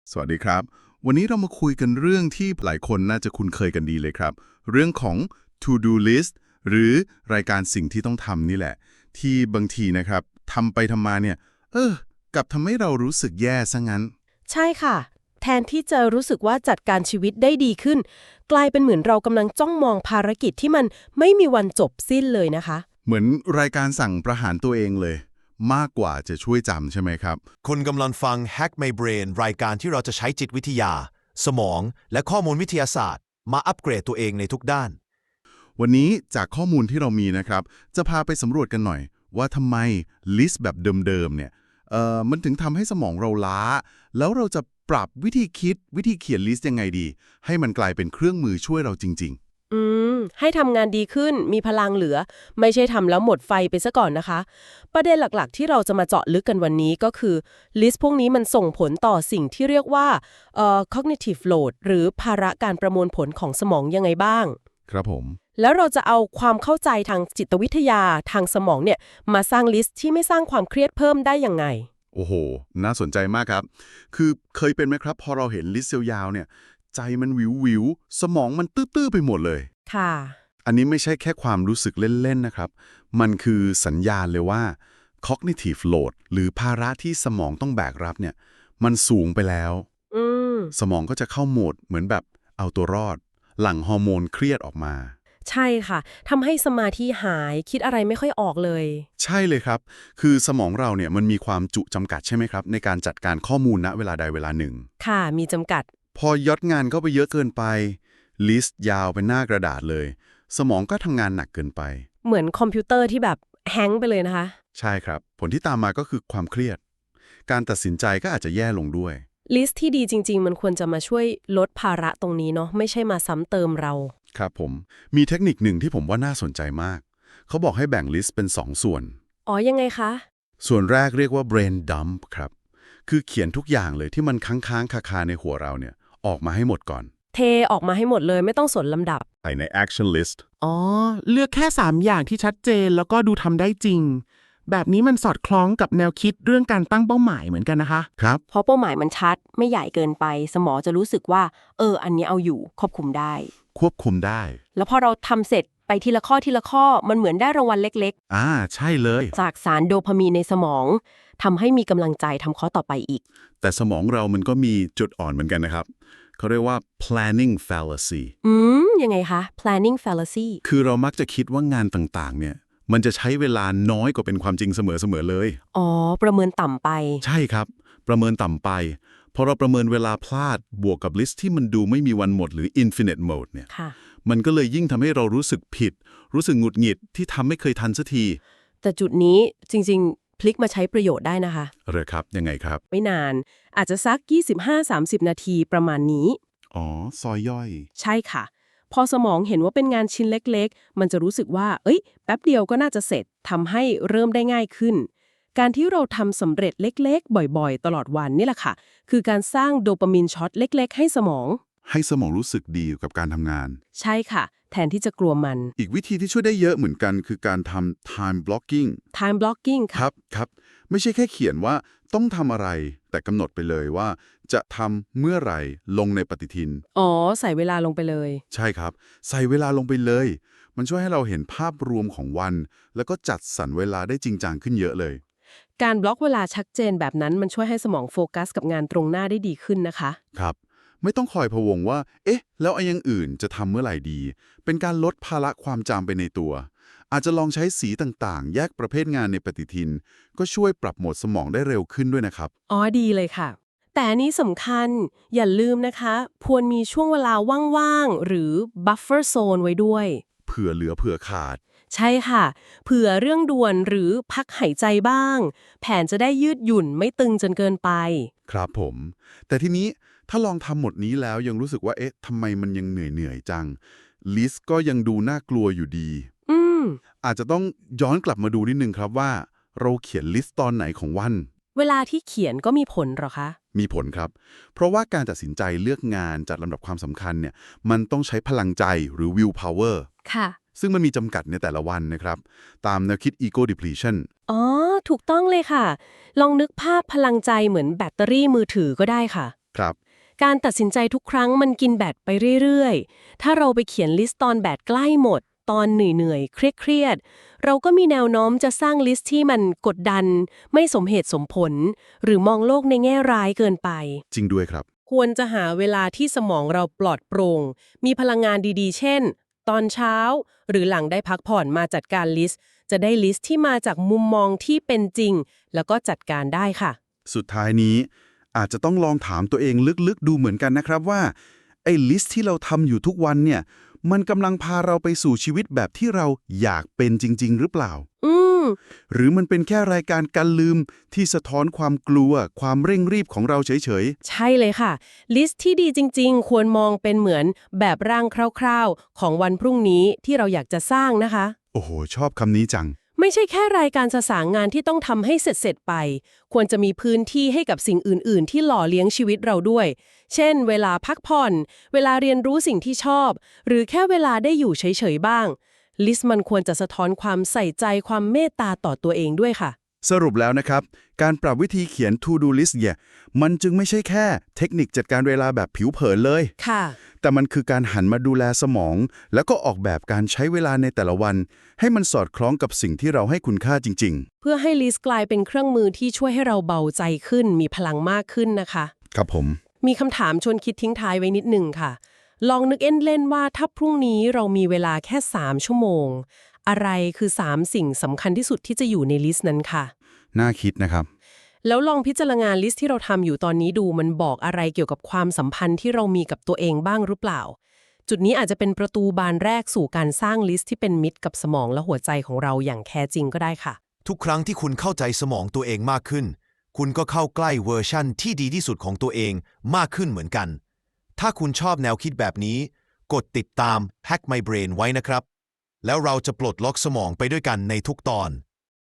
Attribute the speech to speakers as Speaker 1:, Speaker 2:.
Speaker 1: สวัสดีครับวันนี้เรามาคุยกันเรื่องที่หลายคนน่าจะคุ้นเคยกันดีเลยครับเรื่องของ to do list หรือรายการสิ่งที่ต้องทำนี่แหละที่บางทีนะครับทำไปทำมาเนี่ยกลับทำให้เรารู้สึกแย่ซะงั้น
Speaker 2: ใช่ค่ะแทนที่จะรู้สึกว่าจัดการชีวิตได้ดีขึ้นกลายเป็นเหมือนเรากำลังจ้องมองภารกิจที่มันไม่มีวันจบสิ้นเลยนะคะ
Speaker 1: เหมือนรายการสั่งประหารตัวเองเลยมากกว่าจะช่วยจำใช่ไหมครับ
Speaker 3: คุณกำลังฟัง Hack My Brain รายการที่เราจะใช้จิตวิทยาสมองและข้อมูลวิทยาศาสตร์มาอัปเกรดตัวเองในทุกด้าน
Speaker 1: วันนี้จากข้อมูลที่เรามีนะครับจะพาไปสำรวจกันหน่อยว่าทำไมลิสต์แบบเดิมๆเนี่ยมันถึงทำให้สมองเราล้าแล้วเราจะปรับวิธีคิดวิธีเขียนลิสต์ยังไงดีให้มันกลายเป็นเครื่องมือช่วยเราจริง
Speaker 2: ให้ทำงานดีขึ้นมีพลังเหลือไม่ใช่ทำแล้วหมดไฟไปซะก่อนนะคะประเด็นหลักๆที่เราจะมาเจาะลึกกันวันนี้ก็คือลิสต์พวกนี้มันส่งผลต่อสิ่งที่เรียกว่าcognitive load หรือภาระการประมวลผลของสมองยังไงบ้าง
Speaker 1: ๆครับผม
Speaker 2: แล้วเราจะเอาความเข้าใจทางจิตวิทยาทางสมองเนี่ยมาสร้างลิสต์ที่ไม่สร้างความเครียดเพิ่มได้ยังไง
Speaker 1: โอ้โหน่าสนใจมากครับคือเคยเป็นไหมครับพอเราเห็นลิสต์ยาวๆเนี่ยใจมันวิวๆสมองมันตื้อๆไปหมดเลย
Speaker 2: ค่ะ
Speaker 1: อันนี้ไม่ใช่แค่ความรู้สึกเล่นๆนะครับมันคือสัญญาณเลยว่า cognitive load หรือภาระที่สมองต้องแบกรับเนี่ยมันสูงไปแล้ว
Speaker 2: อืม
Speaker 1: สมองก็จะเข้าโหมดเหมือนแบบเอาตัวรอดหลั่งฮอร์โมนเครียดออกมา
Speaker 2: ใช่ค่ะทำให้สมาธิหายคิดอะไรไม่ค่อยออกเลย
Speaker 1: ใช่เลยครับคือสมองเราเนี่ยมันมีความจุจำกัดใช่ไหมครับในการจัดการข้อมูลณเวลาใดเวลาหนึ่ง
Speaker 2: ค่ะมีจำกัด
Speaker 1: พอยัดงานเข้าไปเยอะเกินไปลิสต์ยาวเป็นหน้ากระดาษเลยสมองก็ทำงานหนักเกินไป
Speaker 2: เหมือนคอมพิวเตอร์ที่แบบแฮงก์ไปเลยนะคะ
Speaker 1: ใช่ครับผลที่ตามมาก็คือความเครียดการตัดสินใจก็อาจจะแย่ลงด้วย
Speaker 2: ลิสต์ที่ดีจริงๆมันควรจะมาช่วยลดภาระตรงนี้เนาะไม่ใช่มาซ้ำเติมเรา
Speaker 1: ครับผมมีเทคนิคหนึ่งที่ผมว่าน่าสนใจมากเขาบอกให้แบ่งลิสต์เป็น2ส่วน
Speaker 2: อ๋อยังไงคะ
Speaker 1: ส่วนแรกเรียกว่า brain dump ครับคือเขียนทุกอย่างเลยที่มันค้างคาในหัวเราเนี่ยออกมาให้หมดก่อน
Speaker 2: เทออกมาให้หมดเลยไม่ต้องสนลำดับ
Speaker 1: ใส่ใน action list
Speaker 4: อ๋อเลือกแค่3อย่างที่ชัดเจนแล้วก็ดูทำได้จริงแบบนี้มันสอดคล้องกับแนวคิดเรื่องการตั้งเป้าหมายเหมือนกันนะคะ
Speaker 1: ครับ
Speaker 2: เพราะเป้าหมายมันชัดไม่ใหญ่เกินไปสมองจะรู้สึกว่าอันนี้เอาอยู่ควบคุมได้
Speaker 1: ควบคุมได้
Speaker 2: แล้วพอเราทำเสร็จไปทีละข้อทีละข้อมันเหมือนได้รางวัลเล็ก
Speaker 1: ใช่เลย
Speaker 2: ๆจากสารโดพามีนในสมองทำให้มีกำลังใจทำข้อต่อไปอีก
Speaker 1: แต่สมองเรามันก็มีจุดอ่อนเหมือนกันนะครับเขาเรียกว่า planning fallacy
Speaker 2: ยังไงคะ planning fallacy
Speaker 1: คือเรามักจะคิดว่างานต่างๆเนี่ยมันจะใช้เวลาน้อยกว่าเป็นความจริงเสมอๆเลย
Speaker 2: อ๋อประเมินต่ำไป
Speaker 1: ใช่ครับประเมินต่ำไปพอเราประเมินเวลาพลาดบวกกับลิสต์ที่มันดูไม่มีวันหมดหรือ infinite mode เนี่ย
Speaker 2: ค่ะ
Speaker 1: มันก็เลยยิ่งทำให้เรารู้สึกผิดรู้สึกหงุดหงิดที่ทำไม่เคยทันสักที
Speaker 2: แต่จุดนี้จริงๆพลิกมาใช้ประโยชน์ได้นะคะ
Speaker 1: เหรอครับยังไงครับ
Speaker 2: ไม่นานอาจจะสัก25-30 นาทีประมาณนี้
Speaker 1: อ๋อซอยย่อย
Speaker 2: ใช่ค่ะพอสมองเห็นว่าเป็นงานชิ้นเล็กๆมันจะรู้สึกว่าแป๊บเดียวก็น่าจะเสร็จทำให้เริ่มได้ง่ายขึ้นการที่เราทำสำเร็จเล็กๆบ่อยๆตลอดวันนี่แหละค่ะคือการสร้างโดปามีนช็อตเล็กๆให้สมอง
Speaker 1: ให้สมองรู้สึกดีกับการทำงาน
Speaker 2: ใช่ค่ะแทนที่จะกลัวมัน
Speaker 1: อีกวิธีที่ช่วยได้เยอะเหมือนกันคือการทำ time blocking
Speaker 2: time blocking
Speaker 1: ค
Speaker 2: ค่ะ
Speaker 1: รับไม่ใช่แค่เขียนว่าต้องทำอะไรแต่กำหนดไปเลยว่าจะทำเมื่อไหร่ลงในปฏิทิน
Speaker 2: อ๋อใส่เวลาลงไปเลย
Speaker 1: ใช่ครับใส่เวลาลงไปเลยมันช่วยให้เราเห็นภาพรวมของวันแล้วก็จัดสรรเวลาได้จริงจังขึ้นเยอะเลย
Speaker 2: การบล็อกเวลาชัดเจนแบบนั้นมันช่วยให้สมองโฟกัสกับงานตรงหน้าได้ดีขึ้นนะคะ
Speaker 1: ครับไม่ต้องคอยพะวงว่าเอ๊ะแล้วไอ้อย่างอื่นจะทำเมื่อไหร่ดีเป็นการลดภาระความจำไปในตัวอาจจะลองใช้สีต่างๆแยกประเภทงานในปฏิทินก็ช่วยปรับโหมดสมองได้เร็วขึ้นด้วยนะครับ
Speaker 2: อ๋อดีเลยค่ะแต่อันนี้สำคัญอย่าลืมนะคะควรมีช่วงเวลาว่างๆหรือ buffer zone ไว้ด้วย
Speaker 1: เผื่อเหลือเผื่อขาด
Speaker 2: ใช่ค่ะเผื่อเรื่องด่วนหรือพักหายใจบ้างแผนจะได้ยืดหยุ่นไม่ตึงจนเกินไป
Speaker 1: ครับผมแต่ทีนี้ถ้าลองทำหมดนี้แล้วยังรู้สึกว่าเอ๊ะทำไมมันยังเหนื่อยจังลิสต์ก็ยังดูน่ากลัวอยู่ดี
Speaker 2: อืม
Speaker 1: อาจจะต้องย้อนกลับมาดูนิดนึงครับว่าเราเขียนลิสต์ตอนไหนของวัน
Speaker 2: เวลาที่เขียนก็มีผลเหรอคะ
Speaker 1: มีผลครับเพราะว่าการตัดสินใจเลือกงานจัดลำดับความสำคัญเนี่ยมันต้องใช้พลังใจหรือ will power
Speaker 2: ค่ะ
Speaker 1: ซึ่งมันมีจำกัดในแต่ละวันนะครับตามแนวคิด ego depletion
Speaker 2: อ๋อถูกต้องเลยค่ะลองนึกภาพพลังใจเหมือนแบตเตอรี่มือถือก็ได้ค่ะ
Speaker 1: ครับ
Speaker 2: การตัดสินใจทุกครั้งมันกินแบตไปเรื่อยๆ ถ้าเราไปเขียนลิสต์ตอนแบตใกล้หมด ตอนเหนื่อยๆ เครียดๆ เราก็มีแนวโน้มจะสร้างลิสต์ที่มันกดดัน ไม่สมเหตุสมผล หรือมองโลกในแง่ร้ายเกินไป
Speaker 1: จริงด้วยครับ
Speaker 2: ควรจะหาเวลาที่สมองเราปลอดโปร่ง มีพลังงานดีๆ เช่น ตอนเช้า หรือหลังได้พักผ่อนมาจัดการลิสต์ จะได้ลิสต์ที่มาจากมุมมองที่เป็นจริง แล้วก็จัดการได้ค่ะ
Speaker 1: สุดท้ายนี้อาจจะต้องลองถามตัวเองลึกๆดูเหมือนกันนะครับว่าไอ้ลิสต์ที่เราทำอยู่ทุกวันเนี่ยมันกำลังพาเราไปสู่ชีวิตแบบที่เราอยากเป็นจริงๆหรือเปล่า
Speaker 2: อืม
Speaker 1: หรือมันเป็นแค่รายการการลืมที่สะท้อนความกลัวความเร่งรีบของเราเฉย
Speaker 2: ใช่เลยค่ะ ลิสต์ที่ดีจริงๆ ควรมองเป็นเหมือนแบบร่างคร่าวๆ ของวันพรุ่งนี้ที่เราอยากจะสร้างนะคะ
Speaker 1: ๆ โอ้โห ชอบคำนี้จัง
Speaker 2: ไม่ใช่แค่รายการสสางงานที่ต้องทำให้เสร็จๆไป ควรจะมีพื้นที่ให้กับสิ่งอื่นๆ ที่หล่อเลี้ยงชีวิตเราด้วย เช่น เวลาพักผ่อน เวลาเรียนรู้สิ่งที่ชอบ หรือแค่เวลาได้อยู่เฉยๆบ้าง ลิสต์มันควรจะสะท้อนความใส่ใจความเมตตาต่อตัวเองด้วยค่ะ
Speaker 1: สรุปแล้วนะครับ การปรับวิธีเขียน To Do List เนี่ยมันจึงไม่ใช่แค่เทคนิคจัดการเวลาแบบผิวเผินเลย
Speaker 2: ค่ะ
Speaker 1: แต่มันคือการหันมาดูแลสมอง แล้วก็ออกแบบการใช้เวลาในแต่ละวัน ให้มันสอดคล้องกับสิ่งที่เราให้คุณค่าจริง
Speaker 2: เพื่อให้ลิสต์กลายเป็นเครื่องมือที่ช่วยให้เราเบาใจขึ้น มีพลังมากขึ้นนะคะ
Speaker 1: ๆ ครับผม
Speaker 2: มีคำถามชวนคิดทิ้งท้ายไว้นิดหนึ่งค่ะ ลองนึกเล่นๆว่าถ้าพรุ่งนี้เรามีเวลาแค่ 3 ชั่วโมง อะไรคือ 3 สิ่งสำคัญที่สุดที่จะอยู่ในลิสต์นั้นค่ะ
Speaker 1: น่าคิดนะครับ
Speaker 2: แล้วลองพิจารณาลิสต์ที่เราทำอยู่ตอนนี้ดูมันบอกอะไรเกี่ยวกับความสัมพันธ์ที่เรามีกับตัวเองบ้างหรือเปล่า จุดนี้อาจจะเป็นประตูบานแรกสู่การสร้างลิสต์ที่เป็นมิตรกับสมองและหัวใจของเราอย่างแท้จริงก็ได้ค่ะ
Speaker 3: ทุกครั้งที่คุณเข้าใจสมองตัวเองมากขึ้น คุณก็เข้าใกล้เวอร์ชั่นที่ดีที่สุดของตัวเองมากขึ้นเหมือนกัน ถ้าคุณชอบแนวคิดแบบนี้ กดติดตาม Hack My Brain ไว้นะครับ แล้วเราจะปลดล็อกสมองไปด้วยกันในทุกตอน